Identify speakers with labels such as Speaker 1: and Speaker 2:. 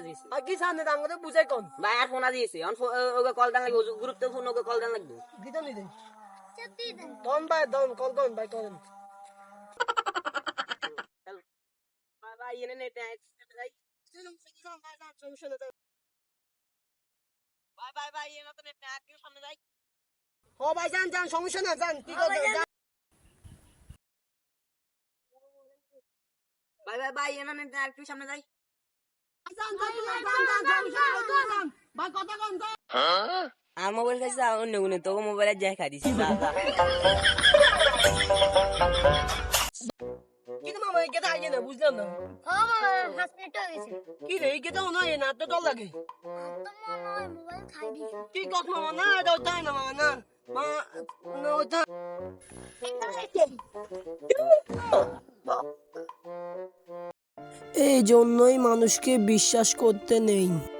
Speaker 1: দিয়েছে
Speaker 2: আর কি সামনে দাম করে বুঝাই কোন
Speaker 1: ভাই আর ফোনা দিয়েছে ওকে কল দেন লাগবে গুরুত্বপূর্ণ ওকে কল দেন লাগবে
Speaker 2: দিতে নি দেন দন ভাই দন কল দন ভাই করেন
Speaker 1: ভাই ভাই এনে নেট যাই ভাই ভাই ভাই এনে তো নেট একটু সামনে যাই
Speaker 2: ও ভাই যান যান সমস্যা না যান কি করবেন
Speaker 1: ভাই ভাই ভাই এনে নেট একটু সামনে যাই
Speaker 2: যান যান যান যান ভাই কথা কোন তো
Speaker 1: আর মোবাইল কাছে অন্য কোনো তো মোবাইলে যাই খাই দিছি
Speaker 2: কি মামা এই কেটা আইয়ে না বুঝলাম না
Speaker 3: হ্যাঁ মামা 5 মিনিট হয়ে গেছে
Speaker 2: কি রে এই কেটা না না তো ডর লাগে
Speaker 3: তো মনে হয় মোবাইল খাই দিয়েছে
Speaker 2: কি কত মামা না এটা তাই না মামা না মা না ওটা এই জন্যই মানুষকে বিশ্বাস করতে নেই।